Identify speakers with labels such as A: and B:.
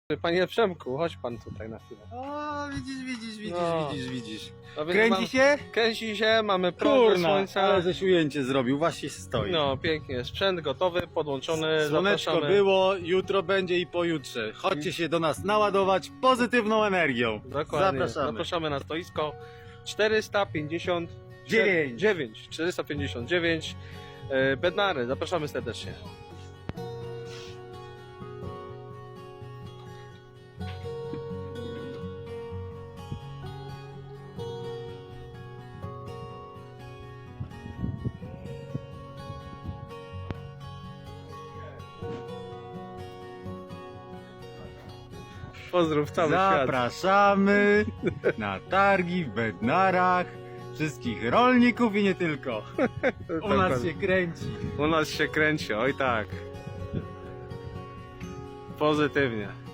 A: Panie Przemku, chodź pan tutaj na chwilę.
B: O, widzisz,
A: No.
B: widzisz.
A: No więc
B: Kręci się?
A: Kręci się, mamy prąd
B: Kurna,
A: słońca.
B: ale żeś ujęcie zrobił, właśnie stoi.
A: No pięknie, sprzęt gotowy, podłączony,
B: Słoneczko
A: zapraszamy.
B: było, jutro będzie i pojutrze. Chodźcie się do nas naładować pozytywną energią.
A: Dokładnie,
B: Zapraszamy.
A: zapraszamy na stoisko 459 Bednary, zapraszamy serdecznie. Pozdrów cały świat.
B: Zapraszamy na targi w Bednarach. Wszystkich rolników i nie tylko. U nas się kręci.
A: U nas się kręci, oj tak. Pozytywnie.